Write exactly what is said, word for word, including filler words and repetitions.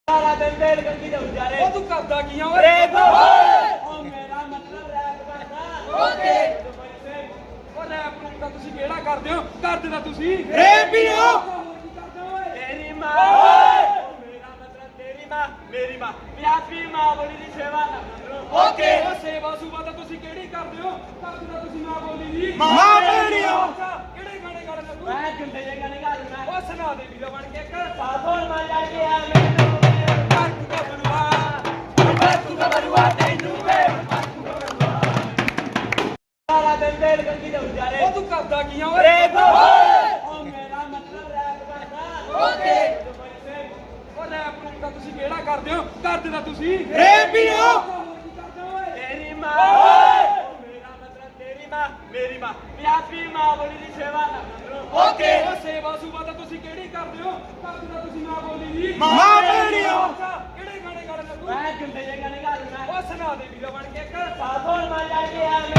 ਸਾਰਾ ਦਿਨ ਵੇਲ ਗੰਗੀ ਦੇ ਉਜਾਰੇ ਉਹ ਤੂੰ ਕਰਦਾ ਕੀ ਆ ਓਏ ਰੈਪ ਉਹ ਮੇਰਾ ਮਤਲਬ ਰੈਪ ਕਰਦਾ ਓਕੇ ਉਹ ਰੈਪ ਨੂੰ ਤਾਂ ਤੁਸੀਂ ਕਿਹੜਾ ਕਰਦੇ ਹੋ ਕਰਦੇ ਤਾਂ ਤੁਸੀਂ ਰੈਪ ਹੀ ਹੋ ਕੀ ਕਰਦੇ ਹੋ ਓਏ ਤੇਰੀ ਮਾਂ ਉਹ ਮੇਰਾ ਮਤਲਬ ਤੇਰੀ ਮਾਂ ਮੇਰੀ ਮਾਂ ਪਿਆਸੀ ਮਾਂ ਬੋਲੀ ਦੀ ਸੇਵਾ ਨਾ ਕਰੋ ਓਕੇ ਉਹ ਸੇਵਾ ਸੂਬਾ ਤਾਂ ਤੁਸੀਂ ਕਿਹੜੀ ਕਰਦੇ ਹੋ ਕਰਦੇ ਤਾਂ ਤੁਸੀਂ ਮਾਂ ਬੋਲੀ ਦੀ ਮਾਂ ਮੇਰੀ ਹੋ ਕਿਹੜੇ ਗਾਣੇ ਗਾਣੇ ਤੂੰ ਮੈਂ ਗੁੰਡੇ ਜੇ ਗਾਣੇ ਗਾਲਣਾ ਉਹ ਸੁਣਾ ਦੇ ਵੀਰਾ ਬਣ ਕੇ ਇੱਕ ਸਾਥੋਂ ਮਾਂ ਜਾ ਕੇ ਆ ਮੈਨੂੰ ਬਾਕੂ ਦਾ ਬਲਵਾ ਬਾਕੂ ਦਾ ਬਲਵਾ ਤੈਨੂੰ ਵੇ ਸਾਰਾ ਦਿਨ ਵੇਲ ਗੰਗੀ ਦੇ ਉਜਾਰੇ ਉਹ ਤੂੰ ਕਰਦਾ ਕੀ ਆ ਓਏ ਰੈਪ ਉਹ ਮੇਰਾ ਮਤਲਬ ਰੈਪ ਕਰਦਾ ਓਕੇ ਉਹ ਰੈਪ ਨੂੰ ਤਾਂ ਤੁਸੀਂ ਕਿਹੜਾ ਕਰਦੇ ਹੋ ਕਰਦੇ ਤਾਂ ਤੁਸੀਂ ਰੈਪ ਹੀ ਹੋ ਕੀ ਕਰਦੇ ਹੋ ਓਏ ਤੇਰੀ ਮਾਂ ਉਹ ਮੇਰਾ ਮਤਲਬ ਤੇਰੀ ਮਾਂ ਮੇਰੀ ਮਾਂ ਪਿਆਸੀ ਮਾਂ ਬੋਲੀ ਦੀ ਸੇਵਾ ਨਾ ਕਰੋ ਓਕੇ ਉਹ ਸੇਵਾ ਸੂਬਾ ਤਾਂ ਤੁਸੀਂ ਕਿਹੜੀ ਕਰਦੇ ਹੋ ਕਰਦੇ ਤਾਂ ਤੁਸੀਂ ਮਾਂ ਬੋਲੀ ਦੀ ਮਾਂ ਮੇਰੀ ਹੋ ਕਿਹੜੇ ਗਾਣੇ ਗਾਣੇ ਤੂੰ ਮੈਂ ਗੁੰਡੇ ਜੇ ਗਾਣੇ ਗਾਲਣਾ ਉਹ ਸੁਣਾ ਦੇ ਵੀਰਾ ਬਣ ਕੇ ਇੱਕ ਸਾਥੋਂ ਮਾਂ ਜਾ ਕੇ ਆ